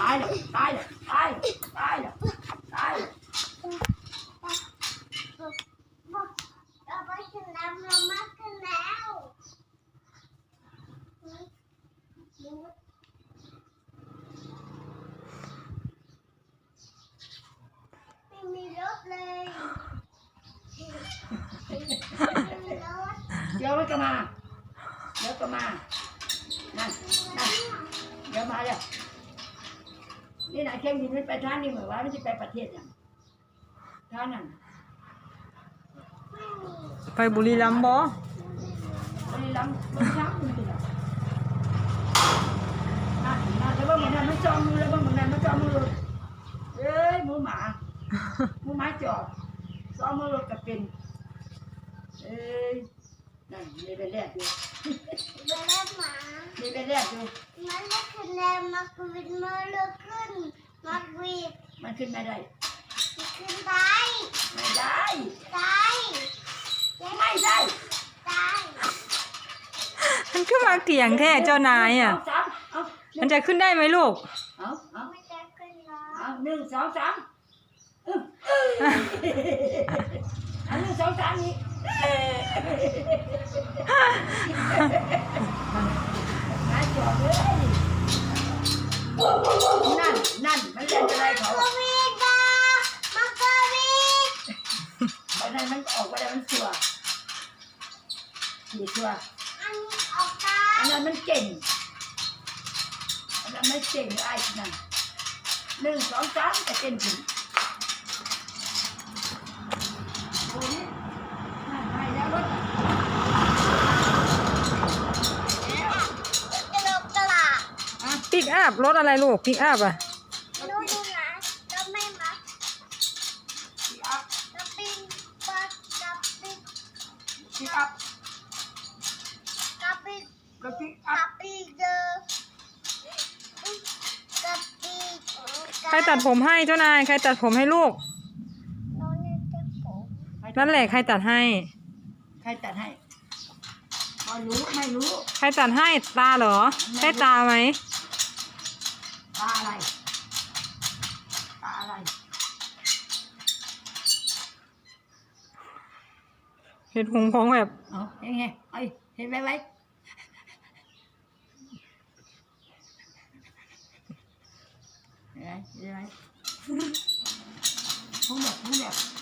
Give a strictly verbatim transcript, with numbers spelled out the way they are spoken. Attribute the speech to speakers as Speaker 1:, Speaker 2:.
Speaker 1: ายแล้วตายแล้วตายตายแล้วตายแล้ว
Speaker 2: เราไปถึงแล้วเรามาถึงแล้วไม่มีรถเลยไม่มีรถ
Speaker 1: เดี๋ยวก็มาเดี๋ยวก็มานั่นนั่นเดี๋ยวมาแล้วนี่นะเข้มยินไม่ไปท่านนี่เหมือนว่าไม่ใช่ไปประเทศอย่างท่านนั่น
Speaker 3: ไปบุรีรัมย์บ่
Speaker 1: บุรีรัมย์มันช้ำมันติดอ่ะนั่นนั่นแล้วว่าเหมือนนั้นมันจองมือแล้วว่าเหมือนนั้นมันจองมือเอ้ยมือหมามือหมาจอบจองมือรถกับเป็นเอ้ยนั่นมีไปแรกอยู่
Speaker 2: ไปแล้วหมา
Speaker 1: มีไปแรกอยู่
Speaker 2: มันไม่ขึ้นแล้วมาวิดมือเลือกขึ้นมาวิด
Speaker 1: มันขึ้นไม่ได้
Speaker 2: ขึ้นได้
Speaker 1: ไม่ได้
Speaker 2: ได้
Speaker 1: ไม่ได้
Speaker 2: ได้
Speaker 3: มันขึ้นมาเถียงแท้เจ้านายอ่ะมันจะขึ้นได้ไหมลูก
Speaker 1: เอาเอา
Speaker 2: ไม่จะขึ้นหรอ
Speaker 1: เอาหนึ่งสองสามอันหนึ่งสองสามนี้นายจอดเลยนั่นนั่นมันเล่นอะไรเขา
Speaker 2: มาวิดมามาเกวิด
Speaker 1: เพราะนั้นมันออกไปแล้วมันชัวขี่ชัว
Speaker 2: อันนี้ออกได้
Speaker 1: อันนั้นมันเก่งอันนั้นไม่เก่งไอ้นั่นหนึ่งสองสามแต่เก่งถึงโอ้ยนั่นไปแล้วรถ
Speaker 2: กระโดดกระลา
Speaker 3: ปิกอัพรถอะไรลูกปิกอัพอ่ะ
Speaker 2: ดูดูนะก็ไม่มาก็ปิ้งปัดกับปิ้ง
Speaker 1: ปิกอัพ
Speaker 2: กับปิ้ง
Speaker 1: ก็ปิกอั
Speaker 2: กั
Speaker 1: พ
Speaker 2: บปิ้งเดอกับปิ้ง
Speaker 3: ใครตัดผมให้เจ้านายใครตัดผมให้ลูก
Speaker 2: น้องเนี่ยจะผม
Speaker 3: นั่นแหละใครตัดให้
Speaker 1: ใครตัดให้พอรู้ไม่รู้
Speaker 3: ใครตัดให้ตาเหรอใช่ตาไหม
Speaker 1: ตาอะไรตาอะไร
Speaker 3: เห็นหงพองแบบ
Speaker 1: เอาเห็นไงไอ้เห็นไหมไว้เห็นไหมเห็นไหมพูดแบบพูดแบบ